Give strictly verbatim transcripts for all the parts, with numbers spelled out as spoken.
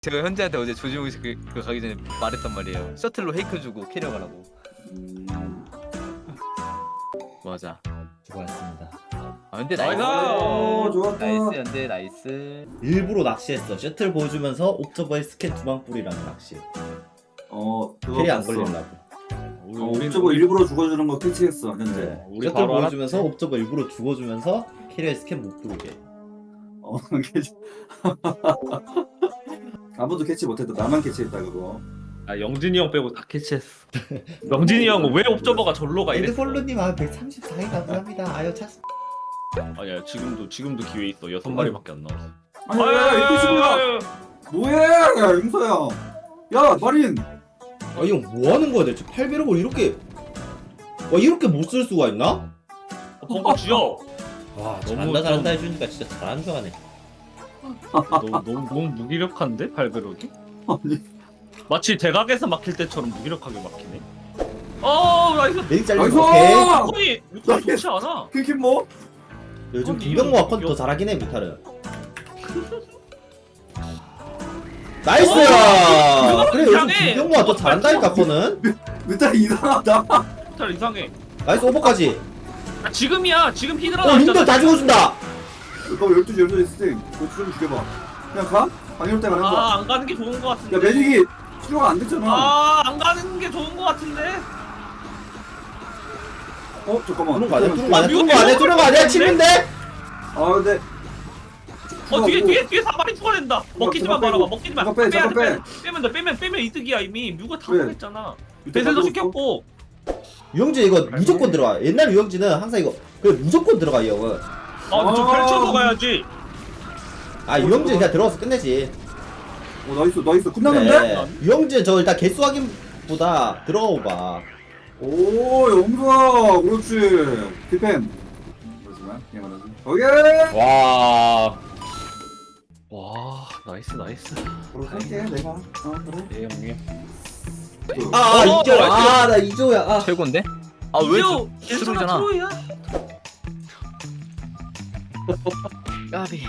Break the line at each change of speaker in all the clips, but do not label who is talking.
제가 현재한테 어제 조지웅식 그, 그 가기 전에 말했단 말이에요. 셔틀로 헤이크 주고 캐리어 가라고.
음...
맞아.
수고하셨습니다.
아 근데 나이스.
오, 좋았다.
나이스 현재 나이스.
일부러 낚시했어. 셔틀 보여주면서 옵저버에 스캔 두 방 뿌리라는 낚시.
어, 그거
캐리 안
봤어.
걸리려고.
어, 옵저버 일부러 죽어주는 거 캐치했어 현재.
네.
우리
셔틀
바로
보여주면서
알았지.
옵저버 일부러 죽어주면서 캐리어에 스캔 못 들어오게.
어, 캐치. 아무도 캐치 못했다. 나만 캐치했다 그거.
아 영진이 형 빼고 다 캐치했어. 영진이 형은 왜 옵저버가 절로 가 이랬어.
에드폴로님 아 백삼십사 개 감사합니다. 아유 차.
아니야 지금도 지금도 기회 있어. 여섯 마리밖에 안 나왔어.
아니 야 이거 뭐야? 뭐해? 야 임서야. 야 마린.
아 이 형 뭐 하는 거야 대체? 팔배럭을 이렇게 와 이렇게 못 쓸 수가 있나?
벙커 쥐어.
와
너무
잘한다
좀-
잘한다 해주니까 진짜 잘하는 줄 아네.
너무 너무 너무 무기력한데 팔베럭이?
아니.
마치 대각에서 막힐 때처럼 무기력하게 막히네. 어 나이스.
메딕 잘리고
나이스!
오케이.
아니 육각 좋지 않아.
퀴퀴 뭐?
요즘
아니,
김병모
이거-
아컨
이거-
더 잘하긴 해 뮤탈은. 나이스야.
어,
그래 요즘
이상해.
김병모가 더 잘한다니까 아컨은.
일단 이상하다.
잘 이상해.
나이스 오버까지.
아, 지금이야. 지금 히드라
어 님들 다 죽어준다.
너 열두 시 열두 시 스팅. 너 좀 죽여봐. 그냥 가? 방해올 때가 하는 거야.
아안 가는 게 좋은 거 같은데.
야 매직이 치료가 안 됐잖아.
아안 가는 게 좋은 거 같은데.
어 잠깐만.
뚫은 거 아니야? 뚫은 거
어,
아니야? 뚫은
미국
거 아니야? 뚫은 거 아니야?
미국
침인데?
아 근데.
어 뒤에 뒤에 뒤에 사발이 추가된다. 먹히지만
그거 빼고.
말아봐. 먹히지만.
그거 빼,
빼야
저거
돼,
빼.
빼. 빼면 돼. 빼면 빼면 이득이야 이미. 뮤가 다
왜?
먹었잖아. 배슬도 시켰고.
유영진 이거 무조건 들어와. 옛날 유영진은 항상 이거 그 무조건 들어가 이 형은.
아, 좀
아.
펼쳐서 가야지.
아 유영진 그냥 들어가서 끝내지.
어 나이스 나이스 끝났는데?
네. 유영진 저 일단 개수 확인보다 들어가 봐.
오 영수아 그렇지 디펜 그렇지만 그냥 말하지 오케이
와. 와, 나이스 나이스.
그럼 할게 내가 어 그래
네, 형님.
아
어,
이조
나이스.
아나 이조야. 아.
최고인데? 아왜
이거
트로이잖아.
괜찮아 트로이야.
까비.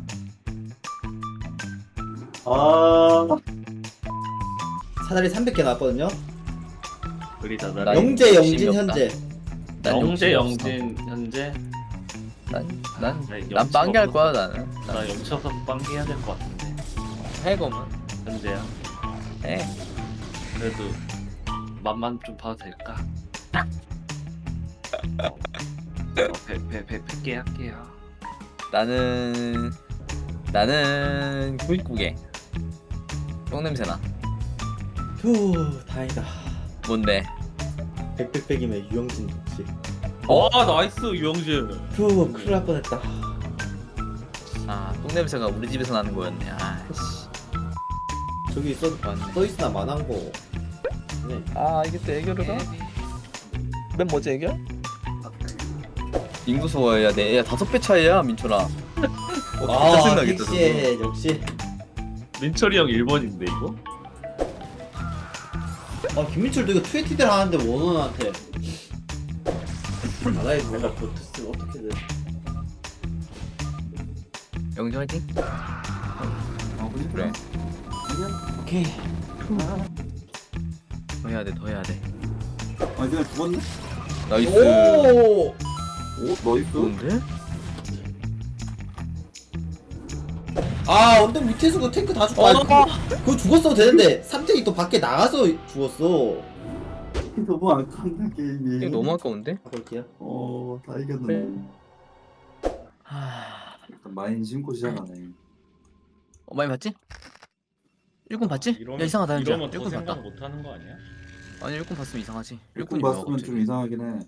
아
사다리 삼백 개 나왔거든요.
그리다
나
나.
영재
욕심이
영진
없다.
현재.
난
영재
욕심이 없어.
영진 현재.
난난난
네, 영재
빵개 할
없어서-
거야 나는.
나 영쳐서 빵기 해야 될 것 같은데.
해검은.
현재야.
해.
그래도 맛만 좀 봐도 될까? 어, 배배배 백 개 할게요.
나는 나는 구십구 개. 똥 냄새나.
휴 다행이다.
뭔데?
백백백이면 유영진 혹시.
어?
아 나이스 유영진.
휴 큰일 날 뻔했다.
아, 똥 냄새가 우리 집에서 나는 거였네. 아씨.
저기 써 써있으나 만한 거. 네.
아, 이게 또 애교를 가? 맨 뭐지 애교? 인구수야 내 야 다섯 배 차이야 민철아. 어,
아
진짜 생각했다 저거.
택시해 역시.
민철이 형 일 번인데 이거?
아 김민철도 이거 투에티들 하는데 원원한테. 나라에 뭔가 버텼으면 어떻게든.
영재 화이팅.
아
그래.
오케이.
더 해야 돼, 더 해야 돼.
아니 그냥 죽었네
나이스.
오.
오 나이스
좋은데?
아 언덕 밑에서 그 탱크 다 죽고.
어,
아,
너
그거, 그거 죽었어도 되는데 삼탱이 또 밖에 나가서 죽었어.
너무 아깝네 게임이
이거 너무 아까운데?
볼게요.
어다 이겼는데
하...
일단 마인 심고 시작하네
어, 많이 봤지? 일꾼 봤지? 야 이상하다 현재.
이러면 더
일꾼
생각
봤다.
못 하는 거 아니야?
아니 일꾼 봤으면 이상하지.
일꾼
일꾼이 뭐야,
봤으면
갑자기.
좀 이상하긴 해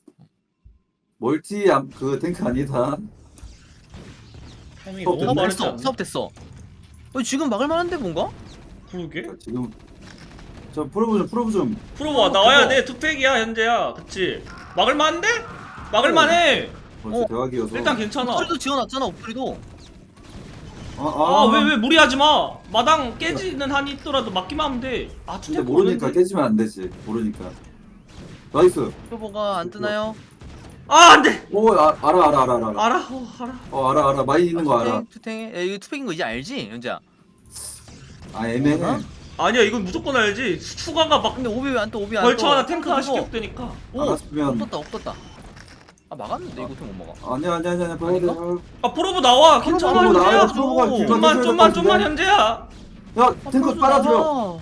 멀티 암- 그 탱크 아니다
타이밍이
어,
너무
사업
빠르지
됐어.
않나?
사업 됐어. 어, 지금 막을 만한데 뭔가?
그러게?
지금 저 프로브 좀 프로브 좀
프로봐 나와야 돼. 투팩이야 현재야. 그치? 막을만한데? 막을만해.
벌써
어.
대박이어서
일단 괜찮아.
옥토리도 지어놨잖아 옥토리도.
아 왜 왜 무리하지 마. 마당 깨지는 한이 있더라도 막기만 하면 돼. 아
근데
투팩
모르니까 깨지면 안 되지 모르니까 나이스
표보가 안 뜨나요?
아 안돼.
오 아, 알아 알아 알아 알아 알아
알아. 어 알아.
어 알아 알아 마인 있는 거 알아
투탱 투탱. 야 이거 투팩인 거 이제 알지 현재야?
아 애매해.
어?
아니야 이건 무조건 알지. 추가가 막
근데 오비 왜안 떠? 오비 안 떠?
벌처 하나 탱크
안
다시
떠.
격되니까.
오!
알았으면
없었다 없었다. 아 막았는데 이거 어떻게 못 막아?
아니야 아니야 아니야 봐야 돼.
아닌가?
아 프로브 나와. 괜찮아
프로브 나와,
현재야.
프로브가 길만
좀만
해줘야
좀만
될것
좀만
같은데?
현재야.
야 탱크
아,
빨아들여.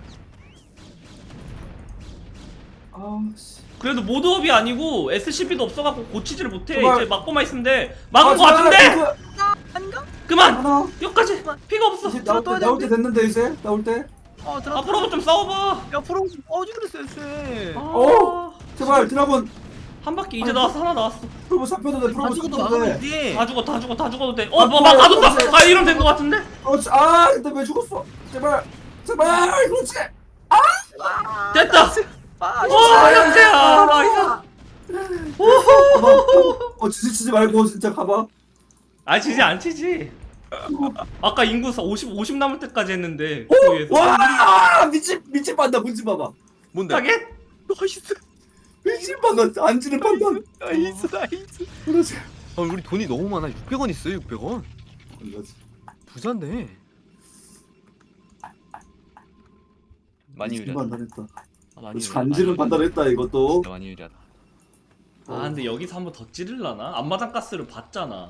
아씨.
그래도 모드업이 아니고 에스씨피도 없어갖고 고치지를 못해.
제발.
이제 막고만 있으면 돼. 막은 거 같은데?
아닌가?
그만!
하나.
여기까지! 피가 없어!
이제 나올 때
떠야
나올 때
되는데?
됐는데 이제 나올 때.
아 들어.
앞으로 좀 싸워봐!
야 프로 어지 그랬어 쎄.
아,
어? 제발 드라곤.
한 바퀴 이제 나왔어. 하나 나왔어.
프로브 잡혀도 돼.
다
프로브
죽어도
잡혀도
막으면
돼.
돼.
다 죽어 다 죽어 다 죽어도 돼.
아,
어, 뭐, 막
뭐야,
가뒀다!
그렇지.
아, 이러면 된 거 같은데?
그렇지. 아 근데 왜 죽었어? 제발 제발 그렇지.
됐다!
아,
와, 현재야! 나이스!
가봐. 어 치지 치지 말고 진짜 가봐.
아, 치지 안 치지. 아까 인구 오십, 오십 남을 때까지 했는데. 거기에서.
와 미친 미친 판단 문지 봐봐.
뭔데?
타겟?
나이스.
미친 판단 안지는 판단.
나이스 나이스.
그렇지.
아 우리 돈이 너무 많아. 육백 원 있어요. 육백 원.
그렇지.
부자인데. 많이
미친
유리하다.
판단했다.
아, 많이
그렇지.
유리하다.
안지는
많이
판단했다 이것도.
진짜 많이 유리하다.
아, 근데 여기서 한 번 더 찌르려나? 앞마당 가스를 봤잖아.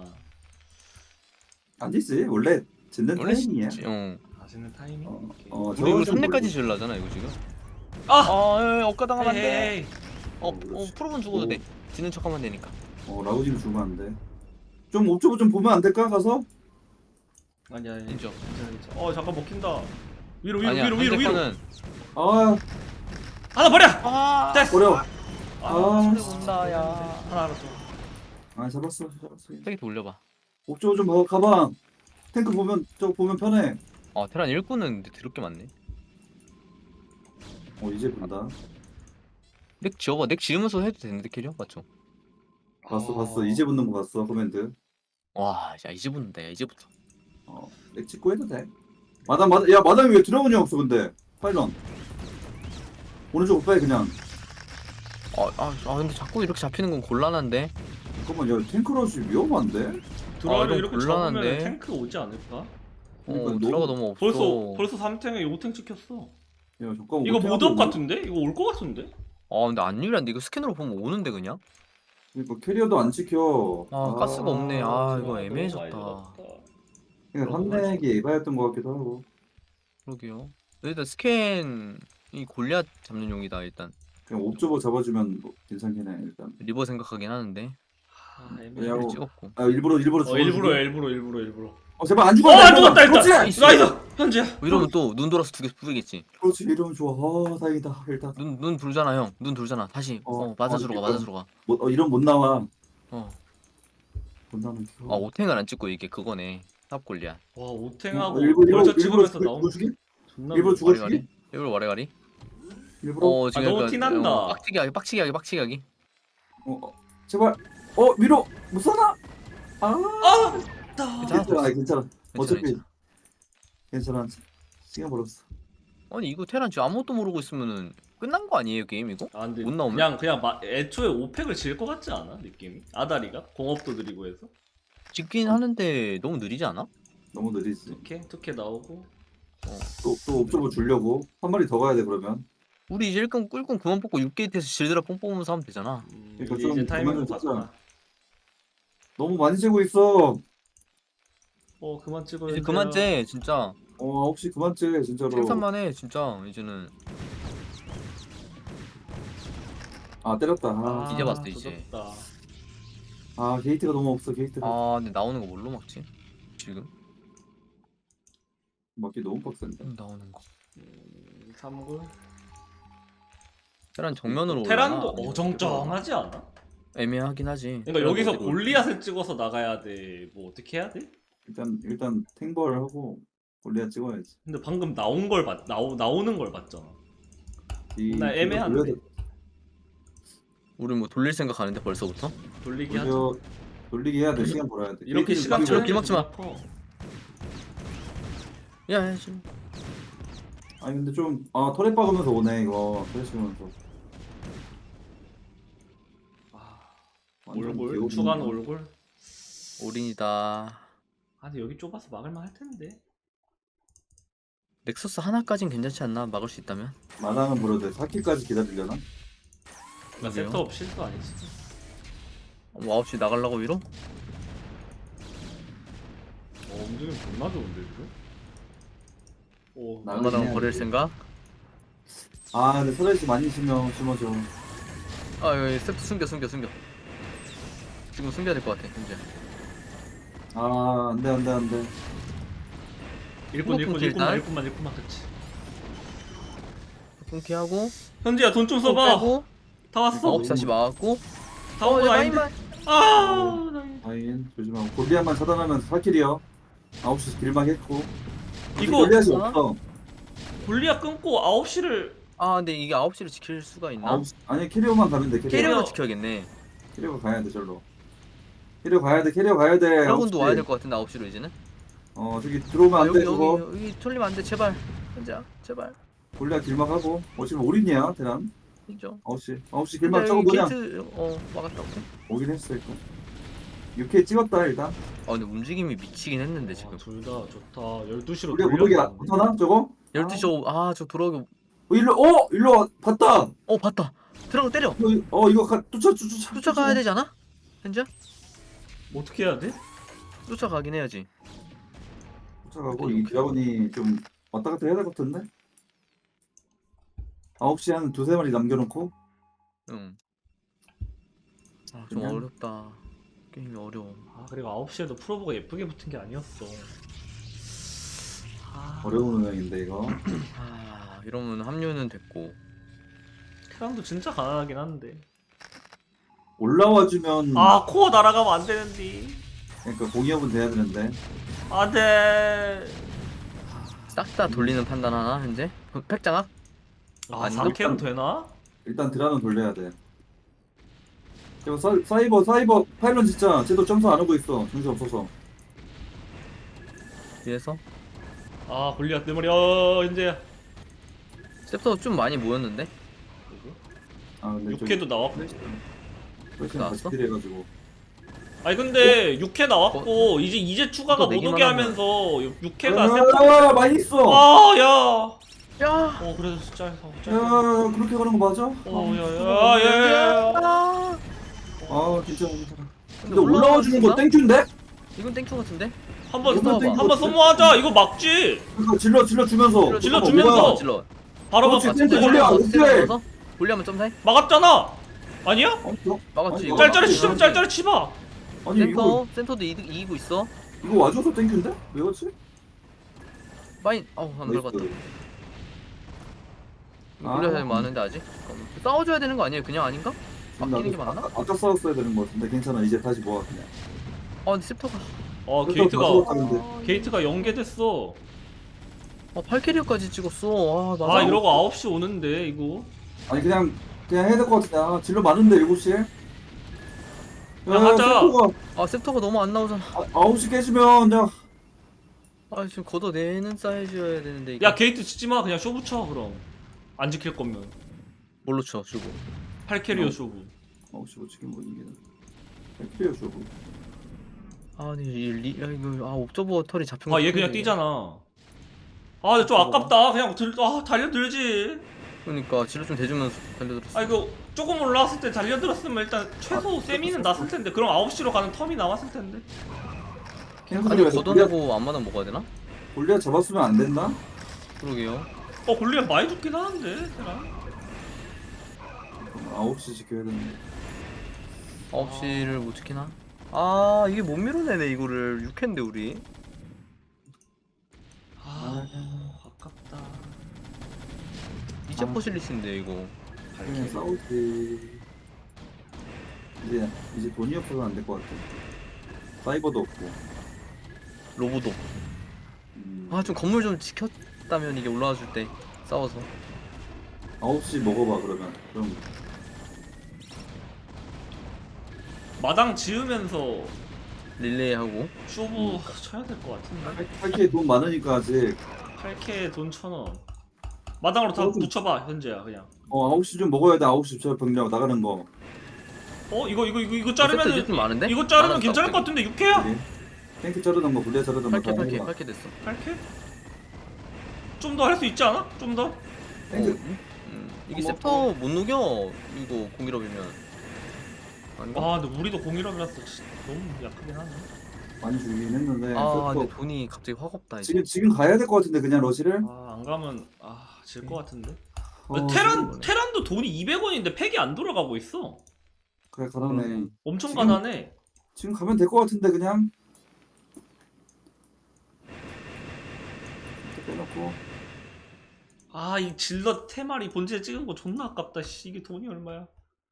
아니지 원래 짓는
원래
타이밍이야.
지- 어.
맛있는 타이밍?
어,
오케이.
어
근데 이거
저거 좀
삼 렙까지 지으려잖아 이거 지금.
아!
아, 엇가 당하면 안 돼.
에이.
어, 어,
그렇지.
프로는 죽어도
오.
돼. 지는 척하면 되니까.
어 라우지를 주면 안 돼. 좀 옵저버 좀 보면 안 될까 가서?
아니야, 아니야.
인정.
괜찮아, 괜찮아. 어, 잠깐 먹힌다. 위로, 위로,
아니야,
위로, 위로, 위로.
현재
아
하나 버려!
아,
됐어!
어려.
아,
아,
손해 본다, 야.
하나 알았어.
아 잡았어 잡았어.
세게 돌려봐.
옵저버 좀 봐. 가방. 탱크 보면 저거 보면 편해.
아, 테란 일꾼은 근데 더럽게 많네.
어 이제 본다.
넥 지어봐. 넥 지으면서 해도 되는데 캐리어 맞죠?
봤어
아.
봤어. 이제 붙는 거 봤어 코멘트.
와, 야 이제 붙는다. 야 이제부터.
어, 렉 찍고 해도 돼. 마담 마담 야 마담이 왜 드라곤이 없어 근데 파일런. 오른쪽 오빠에 그냥.
아, 아, 아 근데 자꾸 이렇게 잡히는 건 곤란한데.
잠깐만 야 탱크러시 위험한데?
드라이를
아,
이렇게
곤란한데.
잡으면 탱크 오지 않을까?
어,
그러니까 너무-
드라가 너무 없어.
벌써 벌써 삼 탱에 오 탱 찍혔어.
야 잠깐만.
이거
어떻게
모드업
하고
같은데? 이거 올 것 같은데?
아, 근데 안 유리한데 이거 스캔으로 보면 오는데 그냥.
그러니까 캐리어도 안 찍혀.
아, 가스가 없네. 아, 이거
너무
애매해졌다.
많이 들었다.
그러니까 삼렉이 에바였던 것 같기도 하고.
그러게요. 일단 스캔이 골리앗 잡는 용이다 일단.
그냥 옵저버 잡아주면 뭐 괜찮긴 해 일단.
리버 생각하긴 하는데.
아, 애매해.
야,
를
어.
찍었고.
아 일부러 일부러
어,
죽어.
일부러 일부러 일부러 일부러.
어 제발 안
어,
죽어.
안 죽었다 일단.
그렇지.
나이스. 현재야.
뭐 이러면 또 눈 돌아서 두 개 뿌리겠지.
그렇지 이러면 좋아. 아 다행이다 일단.
눈 눈 돌잖아 형. 눈 돌잖아. 다시.
어,
어, 맞아주러
어,
가. 맞아주러 가.
뭐 어, 이런 못 나와.
어.
못 나면.
아, 오탱을 안 찍고 이게 그거네. 탑 골리앗.
와,
어,
오탱하고
일부러 일부러
벌써 찍으면서
일부러
나온
죽이?
존나
일부러
무서워.
죽어
와리가리.
죽이?
일부러 와리가리.
일부러.
어, 지금
아, 너무
약간,
티난다.
어, 빡치게 하기, 빡치게 하기, 빡치게 하기.
어, 어 제발. 어 위로 못 사나? 아.
아!
괜찮아.
괜찮아 괜찮아. 어차피
괜찮아.
괜찮아. 시간 벌었어.
아니 이거 테란 지금 아무것도 모르고 있으면은 끝난 거 아니에요 게임 이거?
아, 근데
못 나오면?
그냥 그냥 마, 애초에 오팩을 질 것 같지 않아? 느낌이? 아다리가 공업도 느리고 해서.
찍긴 하는데 너무 느리지 않아?
너무 느리지.
투케 투케 나오고.
또또 옵저버 주려고 한 마리 더 가야 돼 그러면.
우리 이제 일꾼 꿀꾼 그만 뽑고 육 게이트에서 질드라 뽕 뽑으면서 하면 되잖아.
음,
그러니까
이제,
좀
이제 타이밍
그만 좀
봤다.
하자. 너무 많이 재고 있어.
어, 그만 찍어야
이제
돼요.
그만 째 진짜.
어 혹시 그만 째 진짜로.
생산만 해 진짜 이제는.
아 때렸다. 아,
아,
이제 봤어, 이제.
조졌다.
아 게이트가 너무 없어 게이트가.
아 근데 나오는 거 뭘로 막지? 지금?
막기 너무 빡센데.
음, 나오는 거.
음, 삼 구.
테란 정면으로
테란도
올라나?
어정쩡하지 않아?
애매하긴 하지.
그러니까 여기서
그래도
골리앗을 찍어서 나가야 돼. 뭐 어떻게 해야 돼?
일단 일단 탱벌 하고 골리앗 찍어야지.
근데 방금 나온 걸 봤, 나오, 나오는 걸 봤잖아.
이
나 애매한데.
돌려
우리 뭐 돌릴 생각 하는데 벌써부터?
돌리기 하자.
돌려 돌리기 해야 돼. 시간 벌어야 돼.
이렇게
게이트를
시간
돌리고
저렇게
차이가
막지 마.
존나 커.
야, 야 지금.
아니 근데 좀아 터렛 박으면서 오네 이거 터렛 박으면서.
아,
완전
올골
귀여운
추가는
놈이야.
올골.
올인이다.
아, 근데 여기 좁아서 막을만 할 텐데.
넥서스 하나까진 괜찮지 않나? 막을 수 있다면?
마당은 물어도 돼. 사 킬까지 기다리려나?
나
그러게요.
세터 없이 실수 아니지.
뭐 아홉 시 나가려고 위로?
어 움직임 존나 좋은데 지금? 오
나-
엄마당
해야지.
버릴 생각?
아 근데 서레시 많이 심어 심어줘.
아 여기 세트 숨겨 숨겨 숨겨 지금 숨겨야 될 것 같아 현재.
아 안돼 안돼 안돼.
일꾼 일꾼
끊기
일꾼만
일단.
일꾼만 일꾼만 그치.
끊기하고
현지야 돈 좀
또
써봐.
빼고
다 왔어.
아홉 시 다시 막았고
다 온 거 아닌데? 아 나 이거-
아인 조심하고 골리앗만 차단하면서 사 킬이요. 아홉 시 길막 했고.
이거
골리앗이
어?
없어.
골리앗 끊고 아홉 시를
아 근데 이게 아홉 시를 지킬 수가 있나?
아홉 시 아니 캐리어만 가면 돼. 캐리어.
캐리어로 지켜야겠네.
캐리어 가야 돼 절로. 캐리어 가야 돼. 캐리어 가야 돼.
드라곤도
아홉 시.
와야 될 것 같은데 아홉 시로 이제는.
어 저기 들어오면
아
안
여기
돼. 저거.
여기 여기 털리면 안 돼 제발. 현재야 제발.
골리앗 길막하고. 어 지금 올인이야 대란.
인정.
아홉 시 아홉 시
근데
길막 저거
여기
뭐냐?
게이트 어 막았다고.
오긴 했어 일단. 육 케이 찍었다 일단.
아 근데 움직임이 미치긴 했는데 지금.
둘 다 좋다. 열두 시로
우리가 모르게 안 붙어나 저거?
열두 시 오 아저 돌아오기.
어 일로 어 일로 와 봤다.
어 봤다. 들어가 때려.
어, 이- 어 이거 가, 쫓아 쫓아 쫓아
쫓아가야 되지 않아? 현재야?
어떻게 해야 돼?
쫓아가긴 해야지.
쫓아가고 이 드라곤이 좀 왔다 갔다 해야 될 것 같은데? 아홉 시 한 두세 마리 남겨놓고
응. 아 좀
그냥-
어렵다. 게임이 어려워.
아 그리고 아홉 시에도 프로브가 예쁘게 붙은 게 아니었어. 아,
어려운 운영인데 이거.
아 이러면 합류는 됐고.
테란도 진짜 가난하긴 한데.
올라와주면
아 코어 날아가면 안 되는데.
그러니까 공이업은 돼야 되는데
안돼.
싹 다 돌리는 판단 하나 현재? 팩장악?
아
아닌가?
삼 캠 되나?
일단 드라는 돌려야 돼. 그리고 사, 사이버 사이버 파일런 진짜 쟤도 점수 안 오고 있어. 정신 없어서.
뒤에서
아 골리앗 내 머리. 어 이제
셉터 좀 많이 모였는데?
아 근데
육 회도 나왔고.
훨씬
나왔어?
같이 딜해가지고.
아니 근데 육 회 나왔고 이제 이제 추가가
또
못
내기만
오게
하면.
하면서 육 회가 세트.
아 많이 있어.
아야.
야!
어 그래도 숫자에서.
야 그렇게 가는 거 맞아?
어야야야야.
아!
아 진짜 괜찮아. 근데
올라와
올라와 주는 거
주나?
땡큐인데?
이건 땡큐 같은데?
한번
이거
한번
이거
소모하자. 이거 막지.
그러니까 질러 질러 주면서.
질러
잠깐만,
주면서.
뭐야?
질러.
바로
그렇지,
막
센터
진짜
골리앗,
질러.
어떻게
센터
해?
넣어서 골리하면 점사해?
막았잖아. 아니야?
어, 저-
막았지
아니,
이거.
짤짤이
막았지.
치면 짤짤이 치봐.
아니
센터
이거
센터도 이득, 이기고 있어.
이거 와줘서 땡큐인데? 왜 그렇지?
마인 어우 안
나이스.
들어갔다.
아.
골리앗이 많은데 아직? 잠깐만. 싸워줘야 되는 거 아니에요? 그냥 아닌가? 막히는 게
나도
맞나?
아까, 아까 싸웠어야 되는 거 같은데 괜찮아. 이제 다시 모아 그냥.
아 근데 셉터가
어
그래서
게이트가
다 싸웠다는데.
게이트가 연계됐어.
아 팔 캐리어까지 찍었어. 아 맞아.
아 이러고 아홉 시 오는데 이거.
아니 그냥 그냥 해야 될 것 같은데. 아 질러 많은데 일곱 시에. 야,
그냥 하자.
셉터가
아 셉터가 너무 안 나오잖아.
아, 아홉 시 깨지면 야
아 지금 걷어내는 사이즈여야 되는데 이거.
야 게이트 치지 마. 그냥 쇼부 쳐 그럼. 안 지킬 거면.
뭘로 쳐 주고.
팔 캐리어
어.
쇼부.
아홉 시 못 치긴 뭐 이기는. 필요 주고.
아 근데 이 리, 야 이거 아 옵저버 털이 잡힌 거.
아 얘 그냥
같은데.
뛰잖아. 아 근데 좀 아깝다. 그냥 들, 아 달려들지.
그러니까 질러 좀 대주면서 달려들었어.
아 이거 조금 올라왔을 때 달려들었으면 일단 최소 세미는 났을 텐데. 그럼 아홉 시로 가는 텀이 나왔을 텐데.
아니 걷어내고 안마당 먹어야 되나?
골리앗 잡았으면 안 됐나?
그러게요.
어 골리앗 많이 죽긴 하는데. 테란.
아홉 시 지켜야 되는데.
아홉 시를 못 지키나? 아 이게 못 밀어내네 이거를. 육 회인데 우리.
아 아깝다.
이제
아.
포실리스인데 이거.
그냥 싸우지. 이제 이제 돈이 없어서 안 될 것 같아. 사이버도 없고.
로보도.
음,
아 좀 건물 좀 지켰다면 이게 올라와 줄 때 싸워서.
아홉 시 먹어봐 그러면. 그럼
마당 지으면서
릴레이 하고.
쇼부 쳐야 될 것 같은데.
팔 케이 돈 많으니까 아직.
팔 케이 돈 천 원. 마당으로 다
어, 좀-
붙여봐 현재야 그냥.
어 아홉 시 좀 먹어야 돼. 아홉 시 저 병력 나가는 거.
어 이거 이거 이거 이거
세트
자르면은
이제 좀 많은데?
이거 자르면
많았어,
괜찮을 것
갑자기.
같은데 육 회야?
탱크 자르던 거, 골리앗 자르던 거.
팔 개
다
팔 개
해봐.
팔 개 됐어.
팔 케이? 좀 더 할 수 있지 않아? 좀 더?
탱크
음, 이게
뭐,
셉터 못 녹여 이거 공일업이면 아닌가?
아 근데 우리도 공일업이라서 진짜 너무 약하긴 하네.
많이 주긴 했는데
아
또
근데 돈이 갑자기 확 없다 이제.
지금 지금 가야 될 것 같은데 그냥 러시를.
아 안 가면 아 질 것 같은데.
어,
테란
그러네.
테란도 돈이 이백 원인데 팩이 안 돌아가고 있어.
그래 가라네.
그러네.
엄청
지금-
가난해.
지금 가면 될 것 같은데 그냥. 이렇게 빼놓고.
아 이 질럿 테마리 본질에 찍은 거 존나 아깝다. 씨 이게 돈이 얼마야?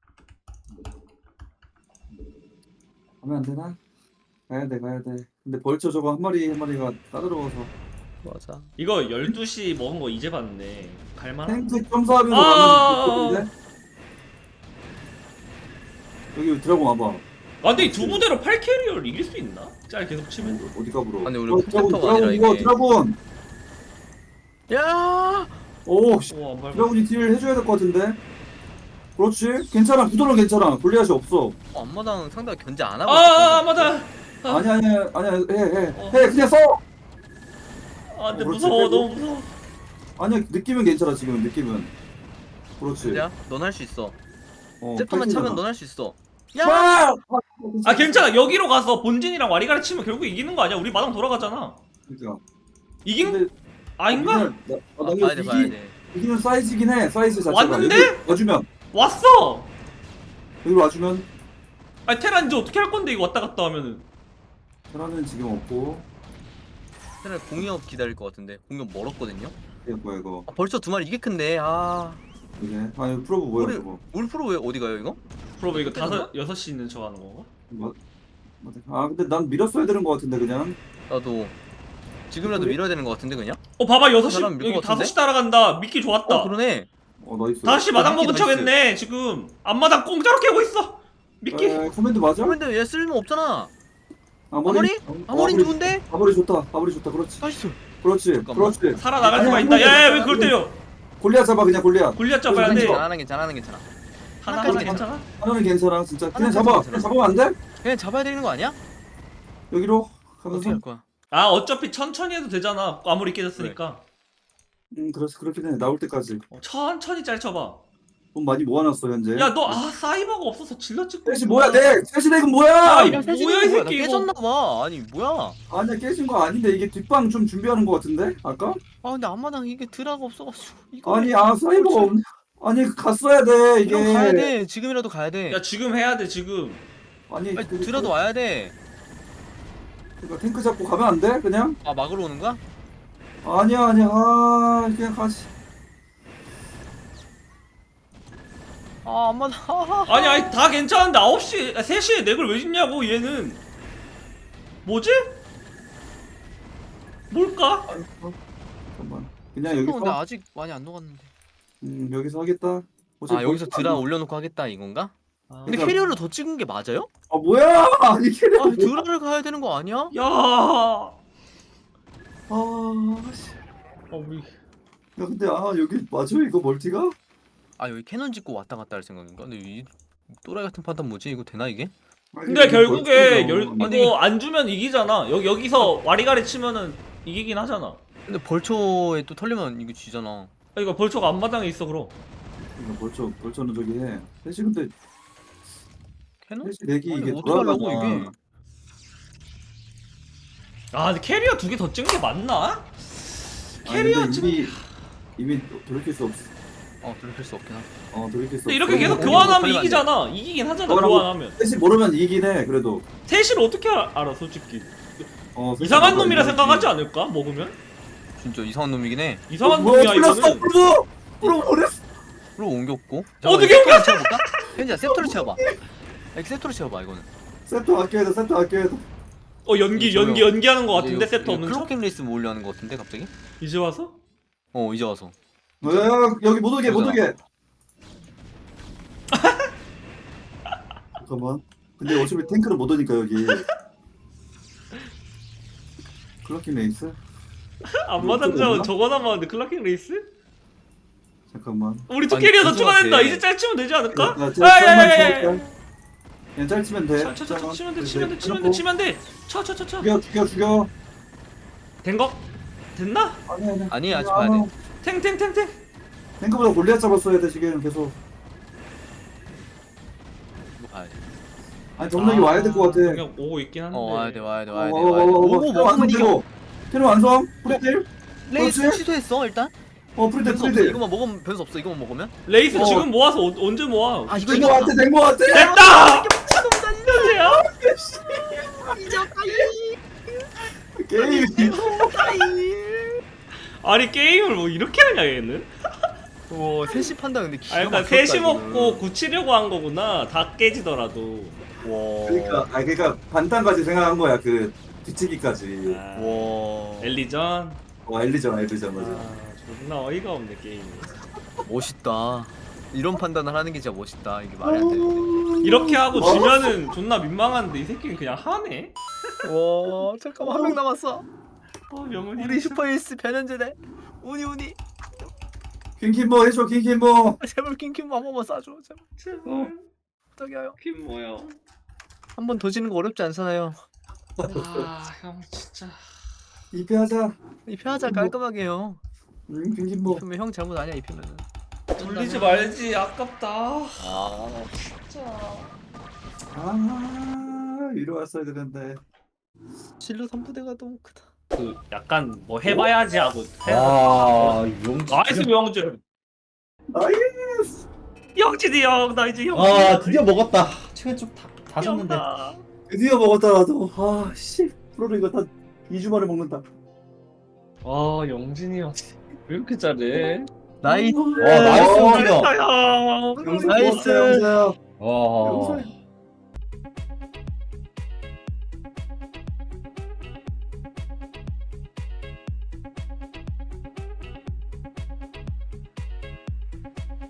가면 안 되나? 가야 돼 가야 돼. 근데 벌써 저거 한 마리 한 마리가 따들어와서
맞아.
이거 열두 시 먹은 거 이제 봤네. 갈만한.
탱크 점수하면서
아,
가면 좋겠는데? 여기 드라곤 와봐.
아 근데 이 두 부대로 팔 캐리어를 이길 수 있나? 짤 계속 치면.
어디 가불어?
아니, 우리
어,
풀센터가
드라곤,
아니라
드라곤,
이게.
드라곤.
야.
오, 씨.
오, 안 밟아.
드라곤이 딜 해줘야 될 것 같은데. 그렇지. 괜찮아. 구도는 괜찮아. 골리앗이 없어.
어, 앞마당 상대가 견제 안 하고.
아, 아
있었거든.
맞아. 아.
아니야 아니야 아니야. 해 해.
어.
해 그냥 써.
아 근데
어, 그렇지.
무서워.
빼고.
너무 무서워.
아니야 느낌은 괜찮아 지금 느낌은. 그렇지.
야, 넌 할 수 있어.
어,
셉터만
파이팅하자.
차면 넌 할 수 있어. 야.
아!
아 괜찮아. 여기로 가서 본진이랑 와리가리 치면 결국 이기는 거 아니야? 우리 마당 돌아가잖아.
그러니까.
이긴
근데
아닌가?
여기는 나, 아,
아,
나
봐야 돼,
이기,
봐야 돼.
이기는 사이즈긴 해. 사이즈 자체가.
왔는데?
여기 와주면
왔어.
여기 와주면
아니 테란 이제 어떻게 할 건데 이거 왔다 갔다 하면은.
테라는 지금 없고.
차라리 공이업 기다릴 것 같은데. 공이업 멀었거든요.
이거 뭐야 이거.
아, 벌써 두 마리 이게 큰데. 아.
이게 아니 프로브 뭐야
우리-
저거.
우리 프로 왜 어디 가요 이거?
프로브 이거
어떻게
다섯 여섯 시 있는 척 하는 건가?
뭐, 뭐, 아 근데 난 밀었어야 되는 것 같은데 그냥.
나도 지금이라도
그래?
밀어야 되는 것 같은데 그냥?
어 봐봐 여섯 시
사람 밀
여기
것 같은데?
다섯 시 따라간다. 미끼 좋았다.
어 그러네.
어 나이스.
다시 마당
어,
먹은
미끼
척
나이스.
했네 지금. 앞마당 공짜로 깨고 있어. 미끼.
에, 코멘트 맞아?
그런데 얘 쓸모 없잖아.
아머리?
아머리 좋은데?
아머리 좋다. 아머리 좋다. 그렇지.
나이스.
그렇지.
잠깐만.
그렇지.
살아나갈
아니,
수가
아니,
있다.
아니,
야왜
아니,
그걸 때려?
골리앗 잡아 그냥 골리앗.
골리앗 잡아야 돼.
괜찮아.
잘하는 괜찮아 하는 괜찮아.
하나
하나까지
하나 괜찮아?
하나는 괜찮아 진짜. 그냥
하나는
잡아.
괜찮아.
그냥 잡으면 안 돼?
그냥 잡아야 되는 거 아니야?
여기로
어떻게
가면서.
할 거야?
아 어차피 천천히 해도 되잖아. 아무리 깨졌으니까.
음 그렇지 그렇긴 해. 나올 때까지.
어, 천천히 짤 쳐봐.
돈 많이 모아놨어 현재.
야 너 아 사이버가 없어서 질러 찍고.
셋이 뭐야 내 셋이 넥은 뭐야?
아,
야,
뭐야,
셋이
이
뭐야? 나
새끼 이거.
깨졌나 봐. 아니 뭐야?
아니야 깨진 거 아닌데 이게 뒷방 좀 준비하는 거 같은데 아까?
아 근데 앞마당 이게 드라가 없어가지고 이거
아니 아 사이버가 없네. 아니 갔어야 돼 이게.
이거 가야 돼. 지금이라도 가야 돼.
야 지금 해야 돼 지금.
아니
아니,
그-
드라도 와야 돼.
그러니까 탱크 잡고 가면 안 돼? 그냥?
아 막으러 오는 거야?
아니야 아니야 아 그냥 가지.
아 앞마당. 아,
아니 아니 다 괜찮은데 아홉 시 세 시에 넥을 왜 짓냐고 얘는. 뭐지? 뭘까?
아니, 어, 잠깐만. 그냥 여기서
근데 아직 많이 안 녹았는데.
음 여기서 하겠다.
아
어차피
여기서
벌써
드라
안-
올려놓고 하겠다 이건가?
아,
근데
그러니까-
캐리어를 더 찍은 게 맞아요?
아 뭐야 아니 캐리어.
아 드라를 가야 되는 거 아니야?
야.
아 씨.
아 우리
야 근데 아 여기 맞아 이거 멀티가?
아 여기 캐논 짓고 왔다 갔다 할 생각인가? 근데 이 또라이 같은 판단 뭐지? 이거 되나 이게?
아니,
근데
이거
결국에
멀티가.
열,
아니,
이거 안 주면 이기잖아. 여기 여기서 와리가리 치면은 이기긴 하잖아.
근데 벌초에 또 털리면 이거 지잖아.
아, 이거 벌초가 앞마당에 있어 그럼.
이거 벌써 벌써는 저기 해. 대신 근데
캐논?
대신 내기
아니,
이게
어떻게 하려고
돌아가나.
이게?
아 근데 캐리어 두 개 더 찍은 게 맞나?
아니,
캐리어
근데
찍은
이미 이미 돌이킬 수 없어.
어 돌이킬 수 없긴 하다.
어 돌이킬 수
근데
없어.
이렇게 계속
그럼
교환하면
걸리면 안
이기잖아. 이기긴 하잖아
그거랑
교환하면.
셋이 모르면 이기긴 해. 그래도
셋을 어떻게 알- 알아 솔직히.
어, 셋이
이상한
모르면
놈이라
이기지.
생각하지 않을까 먹으면?
진짜 이상한 놈이긴 해.
이상한
어, 뭐야,
놈이야
풀렸어,
이거는.
풀어 풀어 버렸어.
프로 옮겼고.
어떻게
옮겨? 채워볼까? 현지야 세프토를 채워봐. 야, 세프토를 채워봐 이거는.
세트 아껴야 돼. 세트 아껴야 돼.
어 연기
저요.
연기 연기하는 거
이제
같은데
이거-
세트
이거
없는 척?
클로킹 레이스 몰려 하는 거 같은데 갑자기?
이제 와서?
어 이제 와서.
야, 여기 못 오게 못 오게. 잠깐만. 근데 어차피 탱크는 못 오니까 여기. 클럭킹 레이스?
앞마당
이거
자원
없나?
저거 남았는데 클라킹 레이스?
잠깐만.
우리 두
아니,
캐리어 더
무슨
추가된다.
같아.
이제 짤치면 되지 않을까?
야, 짤-
아야야야야.
짤만 쳐, 그냥 짤치면 돼.
쳐, 쳐, 쳐, 쳐, 치면 돼,
네,
치면 돼, 치면 돼,
해놓고
치면 돼. 쳐, 쳐, 쳐, 쳐.
죽여 죽여 죽여.
된 거? 됐나?
아니 아니.
아니, 아직 봐야 돼.
탱탱탱탱.
탱크보다 골리앗 잡았어야 돼 지금 계속.
이거 봐야 돼.
아니 정력이 와야 될 것 같아.
그냥 오고 있긴 한데.
어, 와야 돼, 와야 돼, 와야 돼.
어,
와야 돼.
어, 어, 어,
오고
테러
먹으면
완성
이겨.
테러. 테러 완성. 프리딜.
레이스
그렇지?
취소했어, 일단.
어 프리딜
변수 없어.
프리딜.
이거만 먹으면 변수 없어. 이거만 먹으면.
레이스
어.
지금 모아서 어, 언제 모아?
아, 이거
된거
이거
같아 된거 같아.
됐다.
미친놈이다,
게임.
아니 게임을 뭐 이렇게 하냐 얘는?
오, 셋이 판다 근데 기가
아 그러니까
막혔다,
셋이
이거는.
먹고 굳히려고 한 거구나. 다 깨지더라도.
와.
그러니까 아 그러니까 반탄까지 생각한 거야 그 뒤치기까지.
아,
와.
엘리전.
와 엘리전 엘리전 맞아.
아 존나 어이가 없네 게임이.
멋있다. 이런 판단을 하는 게 진짜 멋있다. 이게 말이 안 되는데.
이렇게 하고
어?
지면은 존나 민망한데 이 새끼는 그냥 하네.
와, 잠깐만 한 명 남았어.
어 명훈이.
우리 슈퍼에이스 변현재네. 우니 우니.
킹킹보 해줘 킹킹보.
아, 제발 킹킹 한 번만 쏴줘. 제발.
제발.
부탁해요.
퀸 뭐야?
한 번 더 지는 거 어렵지 않잖아요.
아형 진짜.
이패하자.
이 편하자 깔끔하게 형.
응 킹킹보.
그러면 형 잘못 아니야 이 편은.
돌리지 말지 아깝다.
아,
진짜.
아 이리 왔어야 되는데.
진로 삼 부대가 너무 크다.
그 약간 뭐 해봐야지 하고.
아 용지.
나이스 명준.
나이스.
영진이 형, 나 이제 형.
아 드디어 먹었다. 최근 좀다 줬는데.
드디어 먹었다 나도. 아씨 프로로 이거 다 이 주 만에 먹는다.
아 영진이 형. 왜 이렇게 잘해?
나이스.
와 나이스
어,
움직여.
형.
영수
나이스.
고맙다, 영수야.
와.
영수야.